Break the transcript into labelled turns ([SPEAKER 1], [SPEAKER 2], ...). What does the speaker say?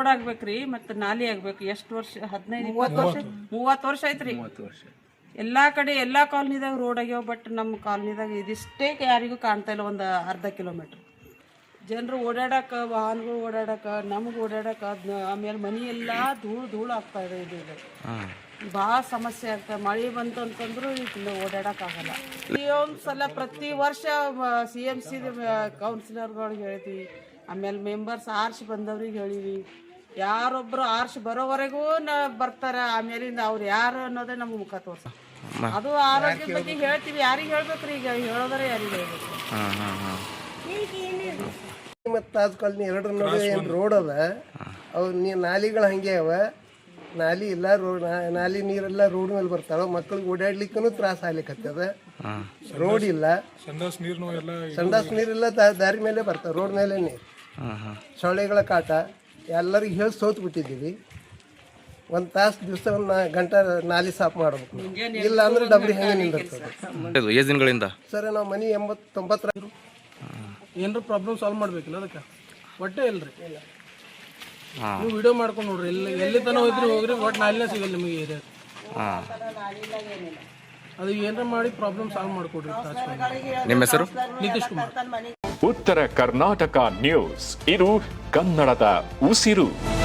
[SPEAKER 1] Road ಆಗ್ಬೇಕ್ರಿ ಮತ್ತೆ ನಾಲಿ ಆಗ್ಬೇಕು. ಎಷ್ಟು ವರ್ಷ? 15-20 ವರ್ಷ ಐತ್ರಿ. ಎಲ್ಲಾ ಕಡೆ ಎಲ್ಲಾ ಕಾಲನಿದಾಗ ರೋಡ್ ಆಗ್ಯಾವ. ಬಟ್ ನಮ್ಮ ಕಾಲನಿದಾಗ ಇದಿಷ್ಟೇ ಯಾರಿಗೂ ಕಾಣ್ತಾ ಇಲ್ಲ. ಒಂದು ಅರ್ಧ ಕಿಲೋಮೀಟರ್ ಜನರು ಓಡಾಡಕ, ವಾಹನಗಳು ಓಡಾಡಕ, ನಮ್ಗೆ ಓಡಾಡಕ, ಆಮೇಲೆ ಮನಿ ಎಲ್ಲ ಧೂಳು ಆಗ್ತಾ ಇದೆ. ಇದು ಭಾಳ ಸಮಸ್ಯೆ ಆಗ್ತದೆ. ಮಳೆ ಬಂತು ಅಂತಂದ್ರು ಇಲ್ಲಿ ಓಡಾಡಕ್ಕಾಗಲ್ಲ. ಈ ಒಂದ್ಸಲ ಪ್ರತಿ ವರ್ಷ CMC ಕೌನ್ಸಿಲರ್ಗಳಿಗೆ ಹೇಳ್ತೀವಿ, ಆಮೇಲೆ ಮೆಂಬರ್ಸ್ ಆರ್ಸಿ ಬಂದವ್ರಿಗೆ ಹೇಳಿವಿ. ಯಾರೊಬ್ರು ಆರ್ಸಿ ಬರೋವರೆಗೂ ಬರ್ತಾರ. ಆಮೇಲಿಂದ ಅವ್ರು ಯಾರು ಅನ್ನೋದೇ ನಮ್ಗೆ ಮುಖ ತೋರ್ಸ. ಅದು ಆರೋಗ್ಯದ ಬಗ್ಗೆ ಹೇಳ್ತೀವಿ. ಯಾರಿಗೆ ಹೇಳ್ಬೇಕ್ರಿ? ಈಗ ಹೇಳೋದ್ರೆ ಯಾರಿಗೆ ಹೇಳ್ಬೇಕು?
[SPEAKER 2] ಮತ್ತು ತಾಜ್ ಕಾಲನಿ ಎರಡರ ನಡುವೆ ಏನು ರೋಡ್ ಅದ, ಅವು ನಾಲಿಗಳು ಹಂಗೆ ಅವ. ನಾಲಿ ಇಲ್ಲ, ನಾಲಿ ನೀರೆಲ್ಲ ರೋಡ್ ಮೇಲೆ ಬರ್ತಾವ. ಮಕ್ಳಿಗೆ ಓಡಾಡ್ಲಿಕ್ಕೂ ತ್ರಾಸ ಆಗ್ಲಿಕ್ಕತ್ತದ. ರೋಡ್ ಇಲ್ಲ, ಸಂಡಾಸ್ ನೀರೆಲ್ಲ ದಾರಿ ಮೇಲೆ ಬರ್ತಾವ, ರೋಡ್ ಮೇಲೆ ನೀರು. ಸೊಳ್ಳೆಗಳ ಕಾಟ ಎಲ್ಲರಿಗೂ ಹೇಳಿ ಸೋತ್ ಬಿಟ್ಟಿದ್ದೀವಿ. ಒಂದು ತಾಸು ದಿವಸ 1 ಗಂಟೆ ನಾಲಿ ಸಾಫ್ ಮಾಡ್ಬೇಕು. ಇಲ್ಲ ಅಂದ್ರೆ ಡಬ್ರಿ ಹೆಂಗೆ ನಿಂದಿರ್ತದೆ.
[SPEAKER 3] ಎಷ್ಟು ದಿನಗಳಿಂದ
[SPEAKER 2] ಸರ್ ನಾವು ಮನೆ 80-90
[SPEAKER 4] ಏನಾರ ಪ್ರಾಬ್ಲಮ್ ಸಾಲ್ವ್ ಮಾಡ್ಬೇಕಿಲ್ಲ ಅದಕ್ಕೆ ಒಟ್ಟೆ ಇಲ್ರಿ. ನೀವು ವಿಡಿಯೋ ಮಾಡ್ಕೊಂಡು ನೋಡ್ರಿ. ಎಲ್ಲಿ ತನಕ ಹೋದ್ರಿ ಹೋಗ್ರಿ, ಒಟ್ಟು ನಾಲಿನೇ ಸಿಗಲ್ಲ ನಿಮಗೆ ಏರಿಯಾ. ಅದು ಏನಾರ ಮಾಡಿ ಪ್ರಾಬ್ಲಮ್ ಸಾಲ್ವ್ ಮಾಡ್ಕೊಡ್ರಿ.
[SPEAKER 3] ನಿಮ್ಮ ಹೆಸರು?
[SPEAKER 4] ನಿತೀಶ್ ಕುಮಾರ್.
[SPEAKER 5] ಉತ್ತರ ಕರ್ನಾಟಕ ನ್ಯೂಸ್, ಇದು ಕನ್ನಡದ ಉಸಿರು.